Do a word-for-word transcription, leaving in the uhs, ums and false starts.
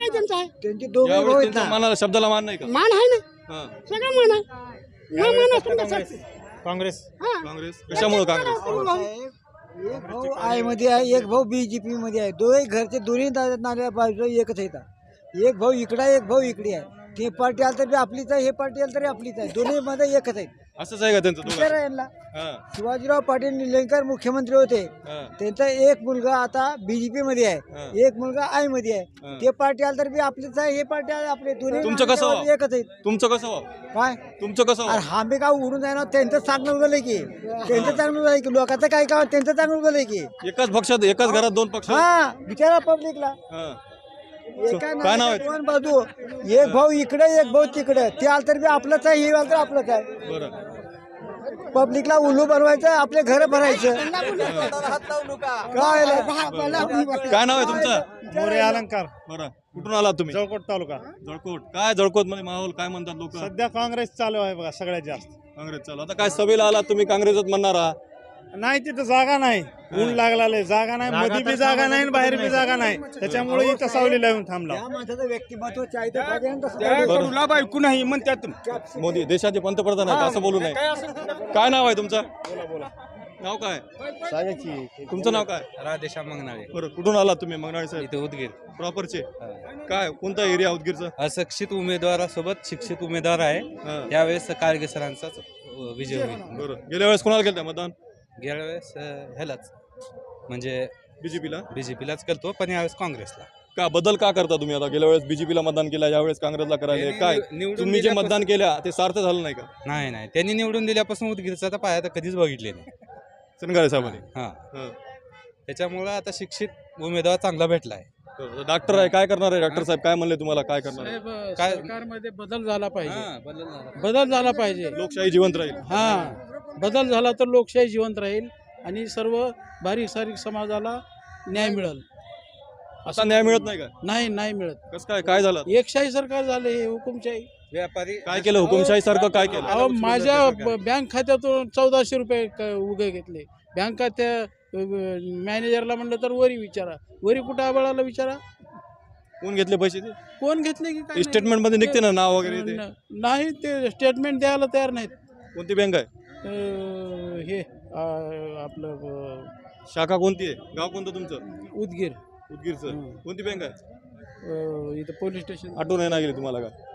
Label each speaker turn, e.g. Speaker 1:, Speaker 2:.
Speaker 1: आहे त्यांचा आहे
Speaker 2: त्यांचे दोघे भाऊ
Speaker 3: यावेळेस
Speaker 2: आहेत
Speaker 3: त्यांच्या
Speaker 2: ना.
Speaker 3: मनाला शब्दाला मान नाही का?
Speaker 1: मान आहे ना
Speaker 3: हा.
Speaker 1: सगळं मान आहे ना मान असून कसं
Speaker 4: काँग्रेस
Speaker 1: हा
Speaker 3: काँग्रेस कशामुळे काँग्रेस
Speaker 2: साहेब, एक भाऊ आय मध्ये आहे एक भाऊ बीजेपी मध्ये आहे दोघे घरचे दोन्ही नाल्या बाजू एकच आहेत एक भाऊ इकडे आहे एक भाऊ इकडे आहे ते पार्टी आली तरी आपलीच आहे हे पार्टी आली तरी आपलीच आहे दोन्ही मध्ये एकच आहेत
Speaker 3: असंच आहे का त्यांचं
Speaker 2: विचार
Speaker 3: दोघांचं?
Speaker 2: आहे यांना
Speaker 3: हा,
Speaker 2: शिवाजीराव पाटील निलंगेकर मुख्यमंत्री होते
Speaker 3: हा,
Speaker 2: त्यांचा एक मुलगा आता बीजेपी मध्ये
Speaker 3: हा.
Speaker 2: आहे एक मुलगा आय मध्ये
Speaker 3: हा.
Speaker 2: आहे ते पार्टी आली तर बी आपलीच आहे हे पार्टी आहे आपले दोन्ही
Speaker 3: तुमचं कसं
Speaker 2: नाल्याबाजू
Speaker 3: व्हावं?
Speaker 2: एकच आहेत
Speaker 3: तुमचं कसं व्हावं?
Speaker 2: काय
Speaker 3: तुमचं कसं
Speaker 2: अरे
Speaker 3: व्हावं?
Speaker 2: आम्ही काय उडून जाणार त्यांचं चांगलं उगलंय की त्यांचं चांगलं उगलंय की लोकांचं काय काय त्यांचं चांगलं उगलंय की
Speaker 3: एकाच पक्षात एकाच घरात दोन पक्ष
Speaker 2: हा बिचारा पब्लिकला
Speaker 3: हा.
Speaker 2: एका
Speaker 3: काय नाव
Speaker 2: नाण्याच्या
Speaker 3: आहे?
Speaker 2: दोन बाजू एक भाऊ इकडे एक भाऊ तिकडे ते आलं तर बी आपलंच आहे हे आलं तर आपलंच आहे
Speaker 3: बरं
Speaker 2: पब्लिकला उल्लू बनवायचं आपले घर भरायचं काय
Speaker 3: काय नाव आहे तुमचं?
Speaker 4: मोरे अलंकार
Speaker 3: बरं कुठून आलात तुम्ही?
Speaker 4: जळकोट तालुका
Speaker 3: जळकोट. काय जळकोट मध्ये माहोल काय म्हणतात लोक?
Speaker 4: सध्या काँग्रेस चालू आहे बघा सगळ्यात जास्त.
Speaker 3: काँग्रेस चालू. आता काय सभेला आलात तुम्ही काँग्रेसच म्हणणार आहात?
Speaker 4: नाही तिथं जागा नाही ऊन लागला जागा नाही मध्ये बी जागा नाही आणि बाहेर बी जागा नाही त्याच्यामुळे इथं सावलीला येऊन थांबला.
Speaker 2: या माणसाचं व्यक्तिमत्व चाहते पाहिजे ना तसं.
Speaker 5: लाभ ऐकू नाही म्हणतात
Speaker 3: मोदी देशाचे पंतप्रधान आहेत असं बोलू नये. काय नाव आहे तुमचं? नाव काय? तुमचं नाव काय?
Speaker 5: राधेश्याम मंगनाळे
Speaker 3: बरं कुठून आलात तुम्ही? मंगनाळे साहेब
Speaker 5: इथे उदगीर.
Speaker 3: प्रॉपरचे. काय कोणता एरिया उदगीरचा?
Speaker 5: अशिक्षित उमेदवारासोबत शिक्षित उमेदवार आहे
Speaker 3: हा.
Speaker 5: यावेळेस काळगे सरांचाच विजय होईल.
Speaker 3: बरं गेल्या वेळेस कोणाला केलं मतदान?
Speaker 5: गेल्या वेळेस अं, ह्यालाच म्हणजे
Speaker 3: बीजेपीला.
Speaker 5: बीजेपीलाच करतो पण यावेळेस काँग्रेसला.
Speaker 3: का बदल का करता तुम्ही? आता गेल्या वेळेस बीजेपीला मतदान केलं यावेळेस काँग्रेसला करायला काय
Speaker 5: निवडून
Speaker 3: तुम्ही जे
Speaker 5: दिल्यापासून-
Speaker 3: मतदान केल्या ते सार्थ झालं नाही का?
Speaker 5: नाही नाही त्यांनी निवडून दिल्यापासून उदगीरचा तर पाया तर कधीच बघितले नाही.
Speaker 3: सनगारे साहेबांनी.
Speaker 5: हा
Speaker 3: हं.
Speaker 5: त्याच्यामुळं आता शिक्षित उमेदवार चांगला भेटला आहे.
Speaker 3: बरं, डॉक्टर आहे काय करणार आहे? डॉक्टर साहेब काय म्हणले तुम्हाला? काय करणार आहे?
Speaker 6: साहेब
Speaker 5: काय-
Speaker 6: सरकारमध्ये बदल झाला पाहिजे
Speaker 5: हा, बदल झाला.
Speaker 6: बदल झाला पाहिजे
Speaker 3: लोकशाही जिवंत राहील.
Speaker 6: हा बदल झाला तर लोकशाही जिवंत राहील आणि सर्व बारीक सारीक समाजाला न्याय मिळेल.
Speaker 3: असा न्याय मिळत नाही का?
Speaker 6: नाही नाही मिळत.
Speaker 3: कसं काय काय झालं?
Speaker 6: एकशाही सरकार झाले हे हुकुमशाही.
Speaker 5: व्यापारी
Speaker 3: काय केलं हुकुमशाही सारखं काय केलं?
Speaker 6: अहो माझ्या ब- बँक खात्यातून चौदाशे रुपये क- उगे घेतले. बँक खात्या मॅनेजरला म्हणलं तर वरी विचारा वरी कुठं आबळाला विचारा
Speaker 3: कोण घेतले पैसे ते?
Speaker 6: कोण घेतले की काय
Speaker 3: स्टेटमेंट मध्ये निघते ना नाव वगैरे ते.
Speaker 6: न- नाही ते स्टेटमेंट द्यायला तयार नाहीत.
Speaker 3: कोणती बँक आहे?
Speaker 6: अं, हे अं, आपलं अं,
Speaker 3: शाखा कोणती आहे? गाव कोणतं तुमचं?
Speaker 6: उदगीर
Speaker 3: उदगीरचं.
Speaker 6: हं.
Speaker 3: कोणती बँक आहे?
Speaker 6: अं, इथं पोलीस स्टेशन
Speaker 3: आठवण नाही गेली तुम्हाला का?